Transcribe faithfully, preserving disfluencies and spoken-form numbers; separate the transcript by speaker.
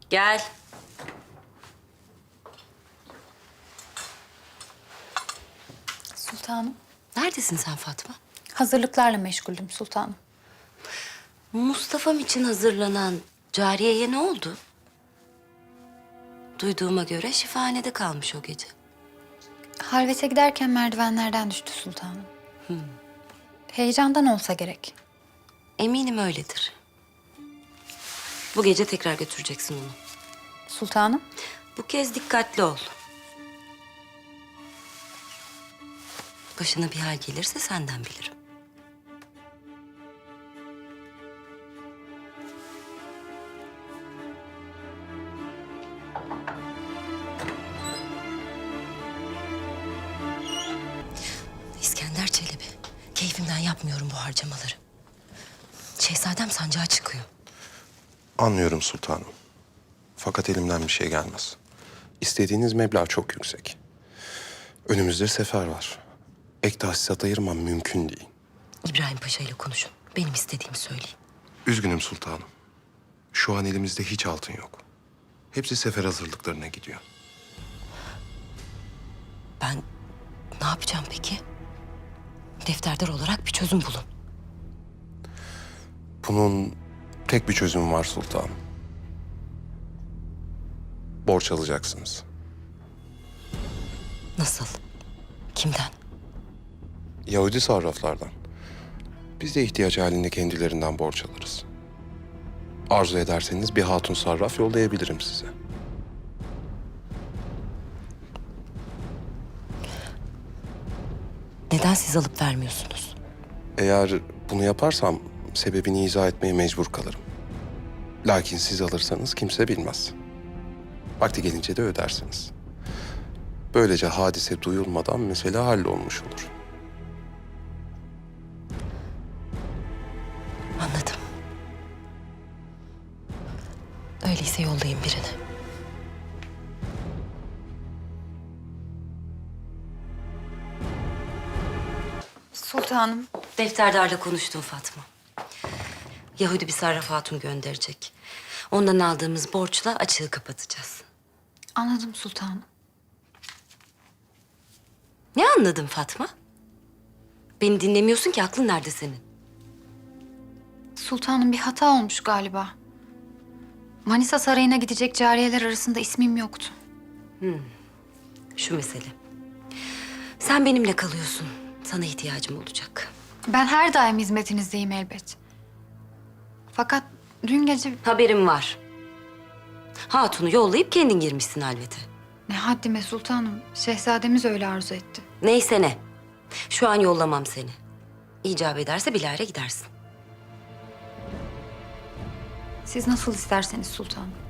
Speaker 1: Gel.
Speaker 2: Sultanım.
Speaker 1: Neredesin sen Fatma?
Speaker 2: Hazırlıklarla meşguldüm sultanım.
Speaker 1: Mustafa'm için hazırlanan cariyeye ne oldu? Duyduğuma göre şifahanede kalmış o gece.
Speaker 2: Halvete giderken merdivenlerden düştü sultanım. Heyecandan olsa gerek.
Speaker 1: Eminim öyledir. Bu gece tekrar götüreceksin onu.
Speaker 2: Sultanım.
Speaker 1: Bu kez dikkatli ol. Başına bir hal gelirse senden bilirim. İskender Çelebi, keyfimden yapmıyorum bu harcamaları. Şehzadem sancağa çıkıyor.
Speaker 3: Anlıyorum sultanım. Fakat elimden bir şey gelmez. İstediğiniz meblağ çok yüksek. Önümüzde sefer var. Ek tahsisat ayırmam mümkün değil.
Speaker 1: İbrahim Paşa ile konuşun. Benim istediğimi söyleyin.
Speaker 3: Üzgünüm sultanım. Şu an elimizde hiç altın yok. Hepsi sefer hazırlıklarına gidiyor.
Speaker 1: Ben ne yapacağım peki? Defterdar olarak bir çözüm bulun.
Speaker 3: Bunun tek bir çözümü var sultanım. Borç alacaksınız.
Speaker 1: Nasıl? Kimden?
Speaker 3: Yahudi sarraflardan. Biz de ihtiyaç halinde kendilerinden borç alırız. Arzu ederseniz bir hatun sarraf yollayabilirim size.
Speaker 1: Neden siz alıp vermiyorsunuz?
Speaker 3: Eğer bunu yaparsam sebebini izah etmeye mecbur kalırım. Lakin siz alırsanız kimse bilmez. Vakti gelince de ödersiniz. Böylece hadise duyulmadan mesele hallolmuş olur.
Speaker 1: Anladım. Öyleyse yollayın birini.
Speaker 2: Sultanım.
Speaker 1: Defterdarla konuştum Fatma. Yahudi bir sarraf hatun gönderecek. Ondan aldığımız borçla açığı kapatacağız.
Speaker 2: Anladım sultanım.
Speaker 1: Ne anladın Fatma? Beni dinlemiyorsun ki, aklın nerede senin?
Speaker 2: Sultanım bir hata olmuş galiba. Manisa Sarayı'na gidecek cariyeler arasında ismim yoktu.
Speaker 1: Şu mesele. Sen benimle kalıyorsun. Sana ihtiyacım olacak.
Speaker 2: Ben her daim hizmetinizdeyim elbet. Fakat dün gece
Speaker 1: Haberim var. Hatunu yollayıp kendin girmişsin halvete.
Speaker 2: ne haddime sultanım. Şehzademiz öyle arzu etti.
Speaker 1: Neyse ne. Şu an yollamam seni. İcap ederse bilahare gidersin.
Speaker 2: Siz nasıl isterseniz sultanım.